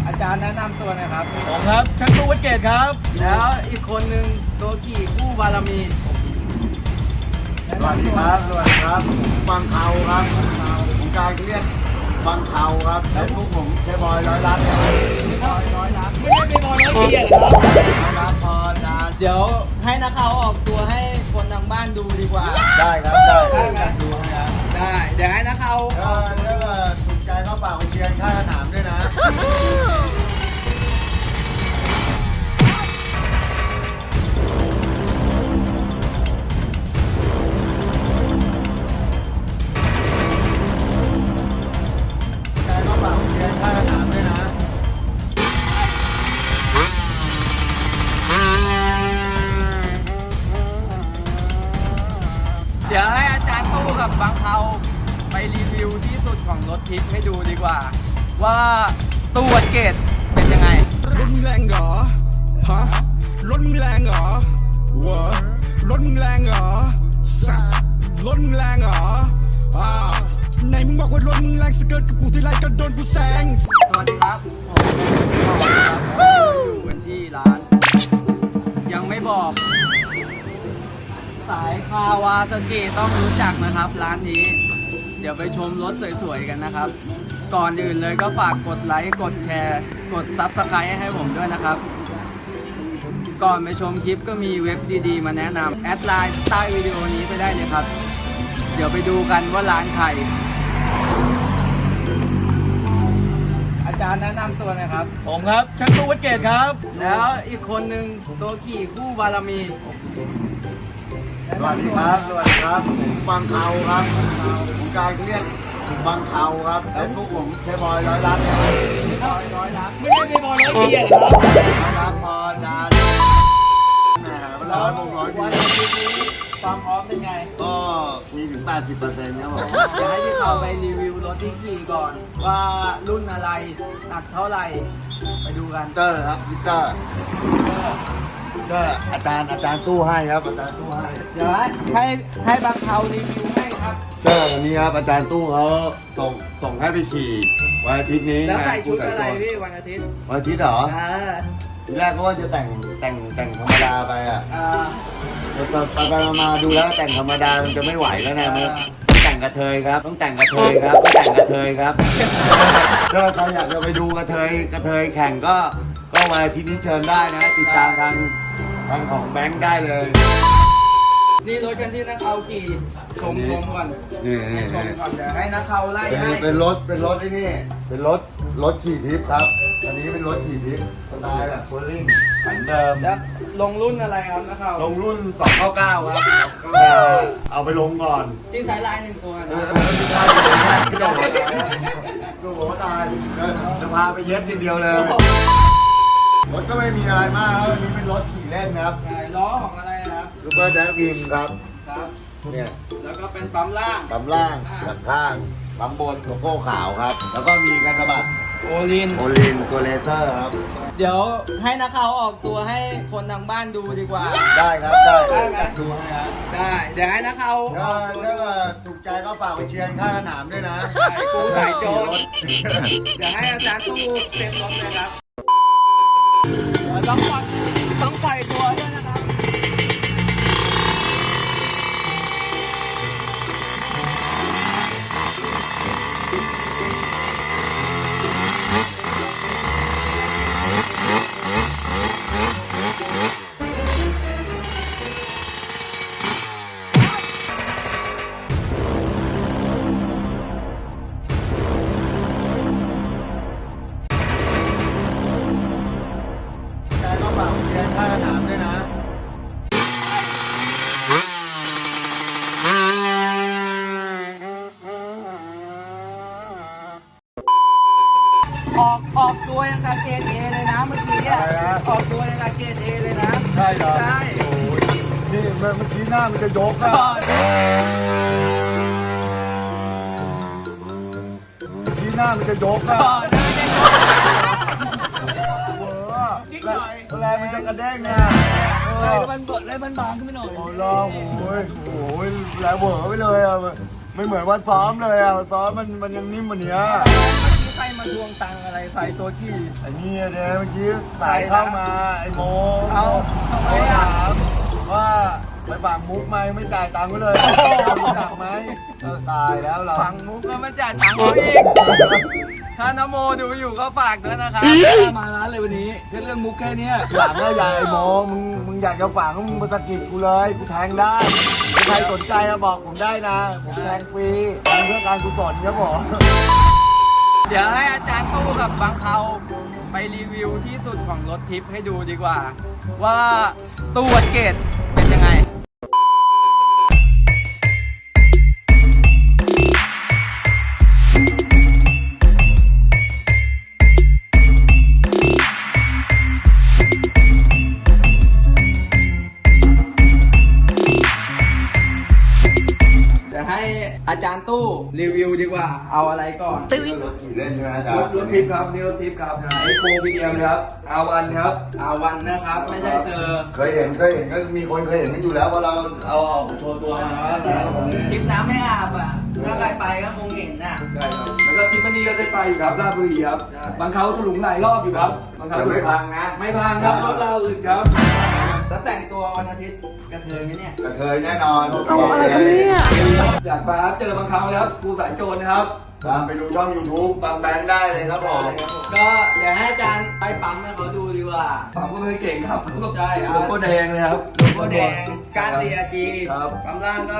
อาจารย์แนะนำตัวหน่อยครับผมครับช่างตู้วัดเกตครับแล้วอีกคนนึงตัวกี่คู่บารมีสวัสดีครับสวัสดีครับบางเขาครับผมการเรียกบางเขาครับแล้วพวกผมแค่บอยร้อยล้านครับร้อยล้านไม่ได้เป็นบอลร้อยเกียรติครับร้อยล้านพออาจารย์เดี๋ยวให้นักข่าวออกตัวให้คนทางบ้านดูดีกว่าได้ครับได้ได้ไหมดูให้ครับได้ เดี๋ยวให้นักข่าวถ้าถูกใจก็ฝากไปเชียร์ข้างสนามด้วยนะใจก็ฝากไปเชียร์ข้างสนามด้วยนะเดี๋ยวให้อาจารย์ตู้กับบางเทาไปรีวิวที่สุดของรถทิพย์ให้ดูดีกว่า ว่าตู้วัดเกตเป็นยังไงรถมึงแรงเหรอ ฮะ รถมึงแรงเหรอวะรถมึงแรงเหรอสัสรถมึงแรงเหรอไหนมึงบอกว่ารถมึงแรงสเกิร์ตกับกูทีไรก็โดนกูแซงสวัสดีครับผมครับอยู่กันที่ร้าน ยังไม่บอก สายคาวาซากิต้องรู้จักนะครับ ร้านนี้ เดี๋ยวไปชมรถสวยๆกันนะครับ ก่อนอื่นเลยก็ฝากกดไลค์กดแชร์ กดซับสไครต์ให้ผมด้วยนะครับ ก่อนไปชมคลิปก็มีเว็บดีๆมาแนะนำแอดไลน์ใต้วิดีโอนี้ไปได้เลยครับ เดี๋ยวไปดูกันว่าร้านใคร อาจารย์แนะนำตัวหน่อยครับผมครับช่างตู้วัดเกตครับแล้วอีกคนนึงตัวกี่คู่บารมีสวัสดีครับสวัสดีครับผมบางเขาครับผมการเรียกบางเขาครับแล้วพวกผมแค่บอยร้อยล้านครับร้อยล้านไม่ได้เป็นบอลร้อยเกียรติครับร้อยล้านพออาจารย์แหมร้อยผมร้อยวันดีอาทิตย์นี้ความพร้อมเป็นไงก็มีถึง 80%ครับผมเดี๋ยวให้พี่เขาไปรีวิวรถที่ขี่ก่อน ว่ารุ่นอะไรหนักเท่าไหร่ ไปดูกันเตอร์ครับพีเตอร์ก็อาจารย์ตู้ให้ครับอาจารย์ตู้ให้เดี๋ยวให้บางเทารีวิวให้ครับเตอร์วันนี้ครับอาจารย์ตู้เขาส่งให้ไปขี่วันอาทิตย์นี้แล้วใส่งานชุดอะไรแต่งตัวพี่วันอาทิตย์วันอาทิตย์เหรออ่าทีแรกก็ว่าจะแต่งธรรมดาไปอ่ะ ไปมาดูแล้วแต่งธรรมดามันจะไม่ไหวแล้วนะมันแต่งกระเทยครับต้องแต่งกระเทยครับต้องแต่งกระเทยครับถ้าใครอยากจะไปดูกระเทยแข่งก็วันอาทิตย์นี้เชิญได้นะ ติดตามทางของแบงค์ได้เลยนี่รถกันที่นักเขาขี่ชมก่อนนี่ชมก่อนเดี๋ยวให้นักเขาไล่ให้เป็นรถไอ้นี่เป็นรถขี่ทิพย์ครับอันนี้เป็นรถขี่ทิพย์สไตล์แบบโคลลิ่งเหมือนเดิมแล้วลงรุ่นอะไรครับนักเขาลงรุ่น 299 ครับก็จะเอาไปลงก่อนที่สายลายหนึ่งตัวเอนะอไม่ได้ดูหัวตายจะพาไปเย็ดทีเดียวเลย รถก็ไม่มีอะไรมากครับอันนี้เป็นรถขี่เล่นครับใช่ล้อของอะไรครับซูเปอร์แดกวิมครับครับเนี่ยแล้วก็เป็นปั๊มล่างปั๊มล่างหลังข้างปั๊มบนโลโก้ขาวครับ แล้วก็มีการสะบัดโอลินโอลินตัวเลเซอร์ครับเดี๋ยวให้นักข่าวออกตัวให้คนทางบ้านดูดีกว่าได้ครับได้ได้ไหมดูให้ครับได้ เดี๋ยวให้นักข่าวอถ้าอกตัวถูกใจก็ฝากไปเชียร์ข้างสนามด้วยนะใช่กูสายโจร เดี๋ยวให้อาจารย์ตู้เซ็นรถเลยครับเดี๋ยวต้องปล่อยตัวด้วยนะครับใจก็ฝากไปเชียร์ข้างสนามด้วยนะออกตัวยังกาเกตเอเลยนะเมื่อกี้อะอะไรนะออกตัวยังกาเกตเอเลยนะใช่เหรอใช่โอ้ยนี่เมื่อกี้หน้ามันจะยกอะ ที่หน้ามันจะยกอะก่อนนะยังเวอร์นิดหน่อยแรงมันจะกระเด้งนะเลยมันเบิดเลยมันบางขึ้นไปหน่อยโอ้โหโอ้ยแรงเวอร์ไปเลยอะไม่เหมือนวันซ้อมเลยอะวันซ้อมมันยังนิ่มกว่านี้เมื่อกี้ใครมามาทวงตังค์อะไรใส่ตัวขี้ไอ้นี่เนี่ยเมื่อกี้สายเข้ามาไอ้โมเอาทำไมเขาอ่ะถามว่าไปฝากมุกไหมไม่จ่ายตังค์ก็เลยรู้จักไหมตายแล้วเราฝั่งมุกก็ไม่จ่ายตังค์เขาอีก ถ้านโมดูอยู่ก็ฝากด้วยนะครับมาร้านเลยวันนี้แค่เรื่องมุกแค่เนี้ยหลังก็อย่าไอ้โมมึงอยากจะฝากก็มึงมาสะกิดกูเลยกูแทงได้ถ้าใครสนใจมาบอกผมได้นะผมแทงฟรีทำเพื่อการกุศลครับผมเดี๋ยวให้อาจารย์ตู้กับบางเขาไปรีวิวที่สุดของรถทิปให้ดูดีกว่า ว่าตู้วัดเกตเป็นยังไง เดี๋ยวให้อาจารย์ตู้รีวิวดีกว่า เอาอะไรก่อนรถขี่เล่นใช่ไหมอาจารรถย์รถทิปครับนี่รถทิปครับไอโครงพีเดียมครับอาวันครับอาวันนะครับ ไม่ใช่เซอร์เคยเห็นก็มีคนเคยเห็นกันอยู่แล้วว่าเราเอาออกโชว์ตัวมาว่าแต่วันนี้ทริปน้ำไม่อาบอ่ะ ถ้าใครไปก็คงเห็นน่ะใช่ครับแล้วก็ทิปมันนี่ก็ได้ไปอยู่ครับราชบุรีครับบางเขาถลุงหลายรอบอยู่ครับบางเขาจะไม่พังนะไม่พังครับรถเราอื่นครับแล้วแต่งตัววันอาทิตย์กระเทยไหมเนี่ยกระเทยแน่นอนอยากมาเจอบางเขาครับครูสายโจรนะครับตามไปดูช่อง YouTube บางแบงค์ได้เลยครับผมก็เดี๋ยวให้อาจารย์ไปปั๊มให้เขาดูดีกว่าปั๊มก็ไม่เก่งครับใช่ครับโลโก้แดงเลยครับโลโก้แดงการ CRG ครับปั๊มล่างก็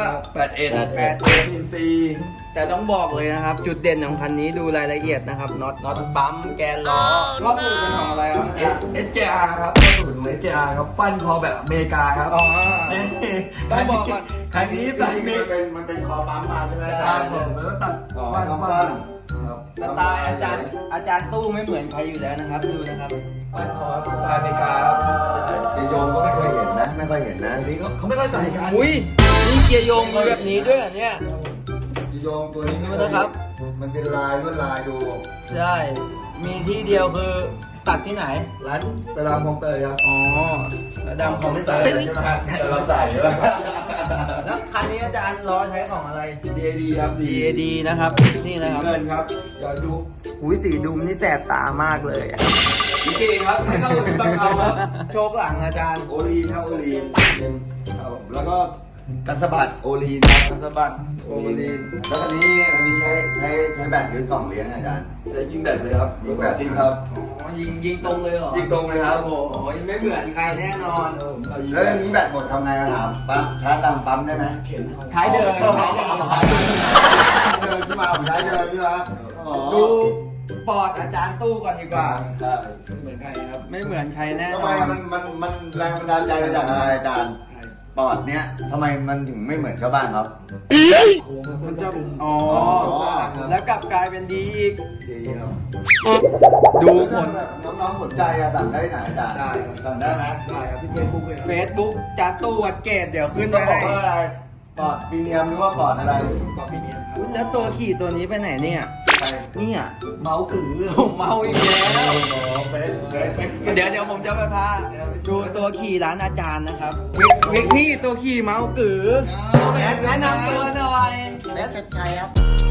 81 CNC แต่ต้องบอกเลยนะครับ จุดเด่นของคันนี้ดูรายละเอียดนะครับน็อตปั๊มแกนล้อก็คือเป็นของอะไรครับอาจารย์ SJR ครับก็สูตรของ SJR ครับฟันคอแบบอเมริกาครับอ๋อ ต้องบอกก่อนคันนี้ใส่เมมันเป็นคอปั๊มมาใช่ไหมอาคจารัรบย์ผมแล้วก็ตัดอ๋อฟันฟัฟันนครับสไตล์อาจารย์ตู้ไม่เหมือนใครอยู่แล้วนะครับดูนะครับฟันคอสไตล์อเมริกาครับไอโยงก็ไม่เคยเห็นนะ ไม่ค่อยเห็นนะนี่เขาไม่ค่อยใส่กันอุ้ยนี่เกียร์โยงมีแบบนี้ด้วยเหรอเนี่ยไอโยงตัวนี้ดูนะครับมันเป็นลายลวดลายดูใช่ มีที่เดียวคือตัดที่ไหนร้านตลาดคลองเตยครับอ๋อระดับของไม่เตใส่ยใช่ไหมครับแต่เราใส่แล้วแล้วคันนี้อาจารย์ล้อใช้ของอะไร DAD ครับ DAD นะครับ นี่นะครับเงินครับอย่าดูอุ้ยสีดุมนี่แสบตามากเลยอะลิเกครับให้เข้ากับบังเขาครับโชคหลังอาจารย์โอลีนครับโอลีนครับผมแล้วก็กันสะบัดโอลีนครับสะบัดโอลีนแล้วอันนี้ใช้แบตหรือกล่องเลี้ยงอาจารย์ใช้ยิงแบตเลยครับยิงแบตจริงครับอ๋อยิงตรงเลยเหรอยิงตรงเลยครับโอ้โหยังไม่เหมือนใครแน่นอนเรายิงแล้วอย่างนี้แบตหมดทำไงอะถามปั๊มชาร์จตามปั๊มได้ไหมเข็นเอาท้ายเดินท้ายเดินท้ายเดินเดินที่มาผมใช้เดินที่มาอ๋อดูปอดอาจารย์ตู้ก่อนดีกว่าใช่ไม่เหมือนใครครับไม่เหมือนใครแน่นทำอไมนมันแรงบันดาลใจมาจากอะไรอาจารย์ปอดเนี้ยทำไมมันถึงไม่เหมือนชาวบ้านเขาโค้งครับมันจะอ๋อแล้แล้ว วกลับกลายเป็นดีอีกดีครับดูผลแบบน้องๆสนใจอะสั่งได้ไหนอาจารย์ได้ครับสั่งได้ไหมได้ครับที่เฟซบุ๊กเลยเฟซบุ๊กจานตู้วัดเกตเดี๋ยวขึ้นต้ไว้องบอให้กว่าอะไรปอดพรีเมียมหรือว่าปอดอะไรปาปิเนียนครับอุ๊ยแล้วตัวขี่ตัวนี้ไปไหนเนี่ยไปเนี่ยเมาส์กือผมเมาอีกแล้วเป็นเดี๋ยวผมจะไปพาดูตัวขี่ร้านอาจารย์นะครับวิกนี่ตัวขี่เมาส์กือแนะนำตัวหน่อยแนะชัยครับ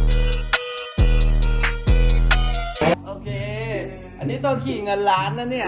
โอเค อันนี้ตัวขี่เงินล้านนะเนี่ย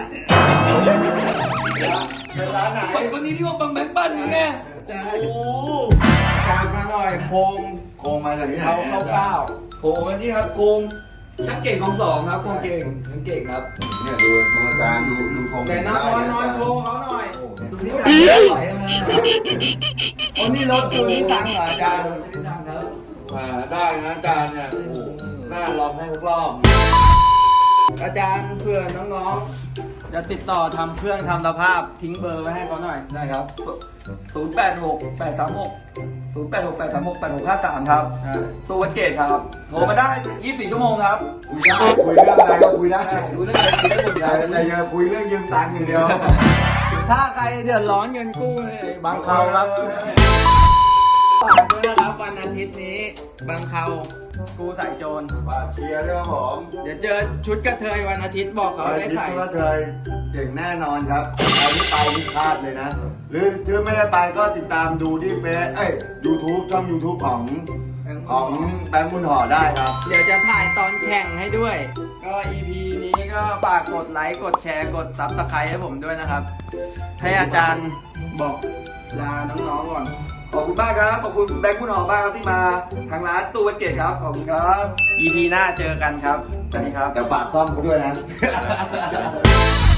เป็นร้านไหนคนนี้ที่ว่าบังแบงค์ปั้นนี่ไงโอ้ตามมาหน่อยโครงโครงมาจากที่ไหนเอาคร่าวโหกันที่ครับโกงชักเก่งของสองครับโกงเก่งทั้งเก่งครับเนี่ยดูอาจารย์ดูทรงๆแต่นอนโชว์เขาหน่อยดูที่การไหวนะโอ้นี่รถตัวนี้ตังเหรออาจารย์ไม่ได้ดังครับได้นะอาจารย์เนี่ยโอ้โหน่าลองให้ทุกรอบอาจารย์เพื่อน้องๆ จะติดต่อทำเครื่องทำสภาพทิ้งเบอร์ไว้ให้เขาหน่อยได้ครับ 086 836 086 836 8653 ครับ ตัววัดเกตครับ โทรมาได้ 24 ชั่วโมงครับคุยได้คุยเรื่องอะไรก็คุยได้ใช่รู้เรื่องอะไรคุยได้หมดเลแต่ยแต่อย่าคุยเรื่องยืมตังค์อย่างเดียวถ้าใครเดือดร้อนเงินกู้นี่บางเขาครับฝากด้วยนะครับวันอาทิตย์นี้บางเขากูใส่โจรว่าเคลียร์เรื่องผมเดี๋ยวเจอชุดกระเทยวันอาทิตย์บอกเขาได้ใส่คิดว่าเธอเก่งแน่นอนครับใครที่ไปที่พลาดเลยนะ หรือถ้าไม่ได้ไปก็ติดตามดูที่เฟซYouTube ช่อง YouTube ของของแบงค์บุญห่อได้ครับเดี๋ยวจะถ่ายตอนแข่งให้ด้วย ก็ EP นี้ก็ฝากกดไลค์กดแชร์กด Subscribe ให้ผมด้วยนะครับ ให้อาจารย์บอกลาน้องๆก่อนขอบคุณมากครับ ขอบคุณแบงค์คุณหอมมากครับที่มาทางร้านตู้วันเกตครับ ขอบคุณครับ EP หน้าเจอกันครับ สวัสดีครับแต่ฝากซ่อมกูด้วยนะ